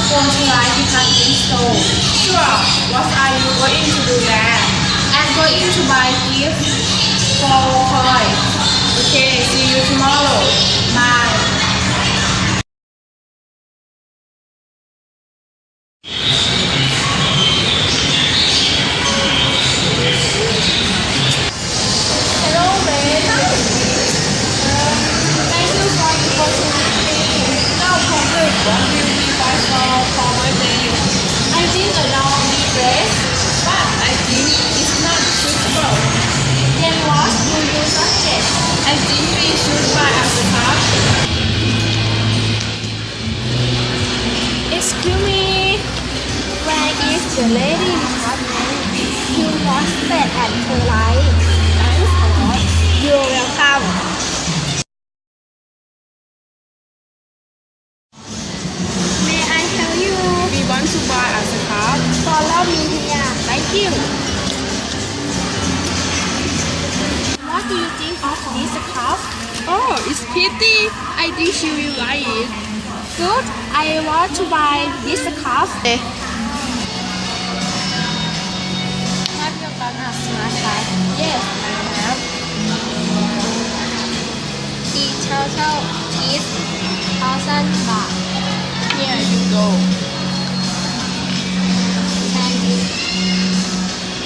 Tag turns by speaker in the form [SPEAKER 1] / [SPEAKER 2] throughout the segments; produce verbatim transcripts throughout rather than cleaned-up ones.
[SPEAKER 1] Won't you like department store?
[SPEAKER 2] Sure. What are you going to do there?
[SPEAKER 1] I'm going to buy gift for Koi.
[SPEAKER 2] Okay, see you tomorrow.
[SPEAKER 1] Bye. Hello, babe. Um, thank you for the opportunity.
[SPEAKER 2] No problem. What will you buy for for birthday?
[SPEAKER 1] I think a long dress.
[SPEAKER 2] But I think it's not suitable.
[SPEAKER 1] Then what do you suggest?
[SPEAKER 2] I think we should buy a scarf.
[SPEAKER 1] Excuse me. Where is the lady department? You must stay at her light. Thanks a lot. You're welcome. May I help you?
[SPEAKER 2] We want to buy a scarf.
[SPEAKER 1] Follow me here.
[SPEAKER 2] Thank you.
[SPEAKER 1] What do you think of this scarf?
[SPEAKER 2] Oh, it's pretty. I think she will like it.
[SPEAKER 1] Good. I want to buy this scarf. Have you got a smart card? Yes, I have. The total is thousand baht.
[SPEAKER 2] Here you go.
[SPEAKER 1] Thank you.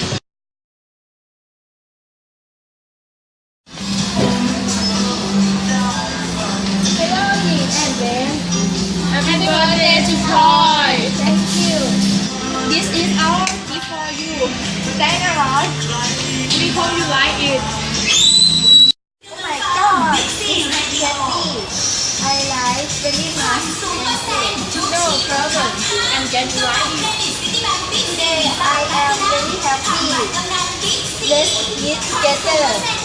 [SPEAKER 1] Hello, Yin and Ben.
[SPEAKER 2] Happy birthday to Troy.
[SPEAKER 1] Thank you. This is our gift for you. Thank you a lot.
[SPEAKER 2] We hope you like it.
[SPEAKER 1] Oh my god, this is candy. I like very much.
[SPEAKER 2] No problem. I'm glad you like it.
[SPEAKER 1] Today I am very happy. Let's eat together.